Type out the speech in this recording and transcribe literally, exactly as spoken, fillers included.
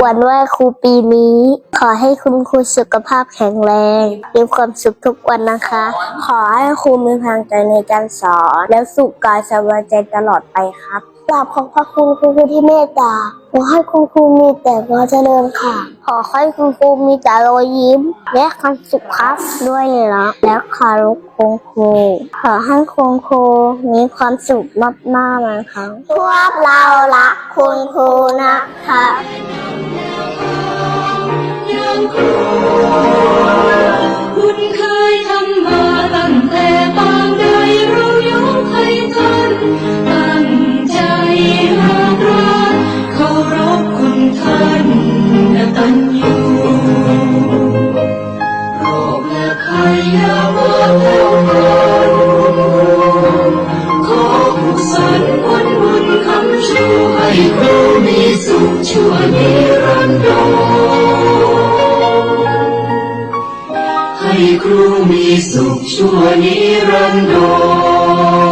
วันไหว้ครูปีนี้ขอให้คุณครูสุขภาพแข็งแรงมีความสุขทุกวันนะคะขอให้ครูมีพลังใจในการสอนและสุขกายสบายใจตลอดไปครับกราบขอบพระคุณคุณครูที่เมตตาขอให้คุณครูมีแต่ความเจริญค่ะขอให้คุณครูมีแต่รอยยิ้มและความสุขครับด้วยรักและเคารพคุณครูขอให้คุณครูมีความสุขมากๆนะคะพวกเรารักคุณครูนะคะคุณเคยทำมาตั้งแต่ปางใดเรายกให้ท่านตั้งใจหากรักเคารพคุณท่านกตัญญูโปรดและใครอย่ามาแผ่วปรานขอกุศลผลบุญคำชูให้ครูมีสุขชั่วนิรันดรให้ครูมีสุขชั่วนิรันดร